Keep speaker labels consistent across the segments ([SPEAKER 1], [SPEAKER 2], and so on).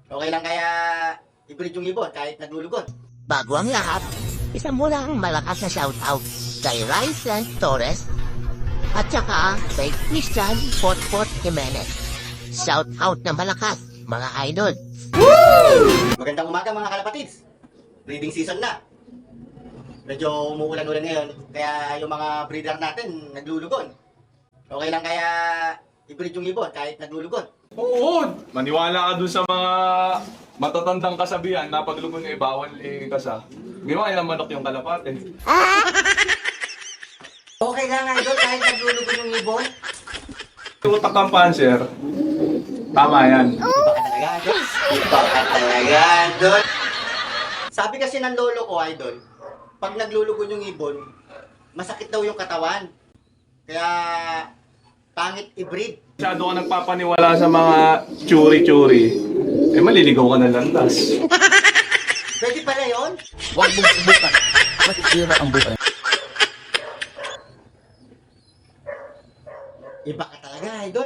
[SPEAKER 1] Okay lang kaya i-breed yung ibon kahit naglulugod.
[SPEAKER 2] Bago ang lahat, isa muna ang malakas na shoutout kay Ryzen Torres at saka kay Christian Potpot Jimenez. Shoutout na malakas, mga idol.
[SPEAKER 1] Magandang umaga mga kalapatids. Breeding season na. Medyo umuulan-ulan ngayon, kaya yung mga breeder natin naglulugon. Okay lang kaya i-breed yung ibon kahit naglulugon.
[SPEAKER 3] Oo, maniwala ka dun sa mga matatandang kasabihan na paglugon ay bawal kasa. Ginawa nilang manok yung kalapate.
[SPEAKER 1] Okay lang idol kahit naglulugon yung ibon.
[SPEAKER 3] Yung utak ng panser, tama yan.
[SPEAKER 1] Iba ka talaga idol. Iba ka talaga idol. Sabi kasi ng lolo ko idol, pag naglulugon yung ibon, masakit daw yung katawan. Kaya pangit i-breed.
[SPEAKER 3] Masyado ka nagpapaniwala sa mga churi-churi. Eh, maliligaw ka na landas.
[SPEAKER 1] Pwede pala yun?
[SPEAKER 2] Huwag mong subukan. Masisira ang buhay.
[SPEAKER 1] Iba ka talaga, idol.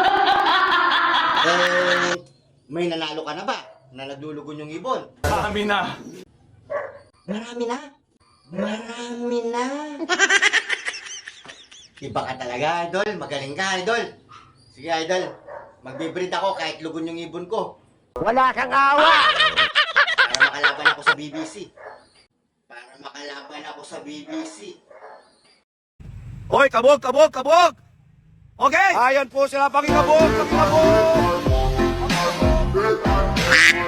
[SPEAKER 1] May nanalo ka na ba na naglulugon yung ibon?
[SPEAKER 3] Kami na.
[SPEAKER 1] Marami na. Marami na. Iba ka talaga, idol. Magaling ka, idol. Sige, idol. Magbe-breed ako kahit lugon yung ibon ko.
[SPEAKER 2] Wala kang awa!
[SPEAKER 1] Para makalaban ako sa BBC. Para makalaban ako sa BBC.
[SPEAKER 4] Hoy, kabog, kabog, kabog! Okay! Ayan po sila, pakikabog, pakikabog!